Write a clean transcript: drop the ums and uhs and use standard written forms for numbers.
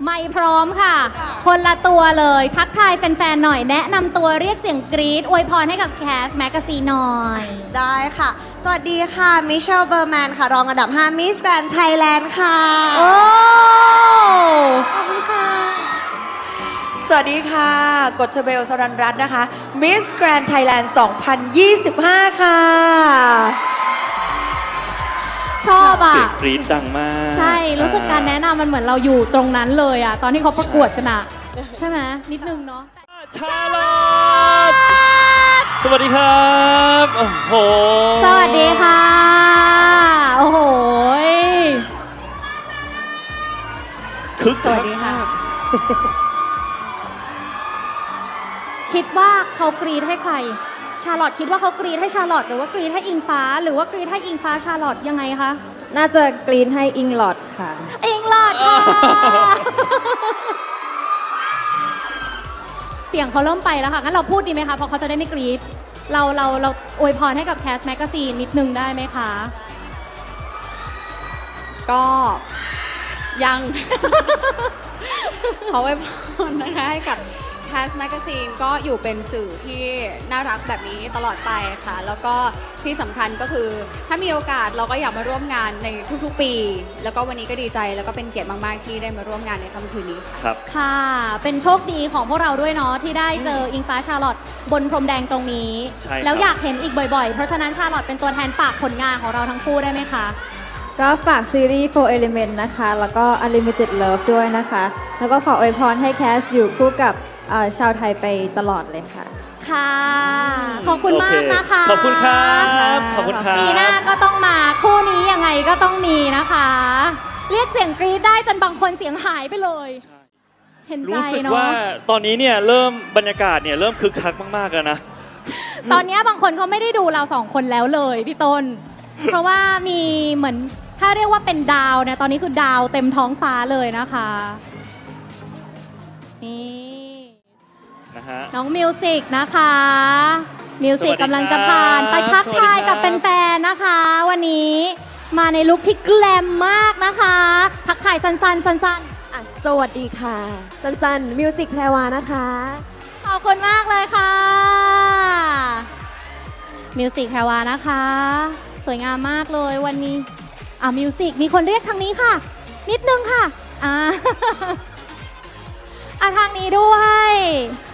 ไม่พร้อมค่ะ คนละตัวเลยทักทายแฟนๆหน่อยแนะนำตัวเรียกเสียงกรี๊ดอวยพรให้กับแคสแมกกาซีนหน่อยได้ค่ะ สวัสดีค่ะ มิเชลเบอร์แมนค่ะ รองอันดับ 5 มิสแกรนด์ไทยแลนด์ค่ะโอ้ขอบคุณค่ะสวัสดีค่ะ กฎชเบลสรันรัตน์นะคะ Miss Grand Thailand 2025 ค่ะชอบอ่ะเสียงกรี๊ดดังมากใช่ รู้สึกการแนะนำมันเหมือนเราอยู่ตรงนั้นเลยอ่ะ ตอนที่เขาประกวดกันอ่ะ ใช่ไหมนิดนึงเนาะชาลอตสวัสดีครับ โอ้โหสวัสดีค่ะ โอ้โหคึกสวัสดีค่ะคิดว่าเขากรีดให้ใคร ชาลอตคิดว่าเขากรีดให้ชาลอตหรือว่ากรีดให้อิงฟ้า หรือว่ากรีดให้อิงฟ้าชาลอตยังไงคะน่าจะกรีนให้อิงลอดค่ะอิงลอดค่ะ เสียงเขาเริ่มไปแล้วค่ะ งั้นเราพูดดีไหมคะ เพราะเขาจะได้ไม่กรีดเราอวยพรให้กับแคสแมกกาซีนนิดนึงได้ไหมคะก็ยัง ขอไว้พรนะคะให้กับ Cast Magazine ก็อยู่เป็นสื่อที่น่ารักแบบนี้ตลอดไปค่ะ แล้วก็ที่สำคัญก็คือถ้ามีโอกาสเราก็อยากมาร่วมงานในทุกๆปี แล้วก็วันนี้ก็ดีใจแล้วก็เป็นเกียรติมากๆที่ได้มาร่วมงานในค่ำคืนนี้ค่ะครับค่ะ เป็นโชคดีของพวกเราด้วยเนาะที่ได้เจออิงฟ้าชาลอตบนพรมแดงตรงนี้ใช่ครับแล้วอยากเห็นอีกบ่อยๆ เพราะฉะนั้นชาลอตเป็นตัวแทนฝากผลงานของเราทั้งคู่ได้ไหมคะก็ฝากซีรีส์ Four Element นะคะ แล้วก็ Unlimited Love ด้วยนะคะ แล้วก็ขออวยพรให้แคสอยู่คู่กับชาวไทยไปตลอดเลยค่ะค่ะ ขอบคุณมากนะคะขอบคุณครับ ขอบคุณครับปีหน้าก็ต้องมาคู่นี้ยังไงก็ต้องมีนะคะ เรียกเสียงกรี๊ดได้จนบางคนเสียงหายไปเลย เห็นใจรู้สึกเนาะว่าตอนนี้เนี่ยเริ่มบรรยากาศเนี่ยเริ่มคึกคักมากๆแล้วนะตอนนี้บางคนเขาไม่ได้ดูเราสองคนแล้วเลยพี่ต้น เพราะว่ามีเหมือนถ้าเรียกว่าเป็นดาวเนี่ยตอนนี้คือดาวเต็มท้องฟ้าเลยนะคะนี่นะฮะน้องมิวสิกนะคะ มิวสิกสวัสดีครับกำลังจะผ่านไปทักทายกับสวัสดีครับแฟนๆนะคะ วันนี้มาในลุคที่แกลมมากนะคะ ทักทายสั้นๆสั้นสวัสดีค่ะ สันๆมิวสิกแพรวานะคะๆขอบคุณมากเลยค่ะมิวสิกแพรวานะคะ สวยงามมากเลยวันนี้มิวสิกมีคนเรียกทางนี้ค่ะ นิดนึงค่ะทางนี้ด้วย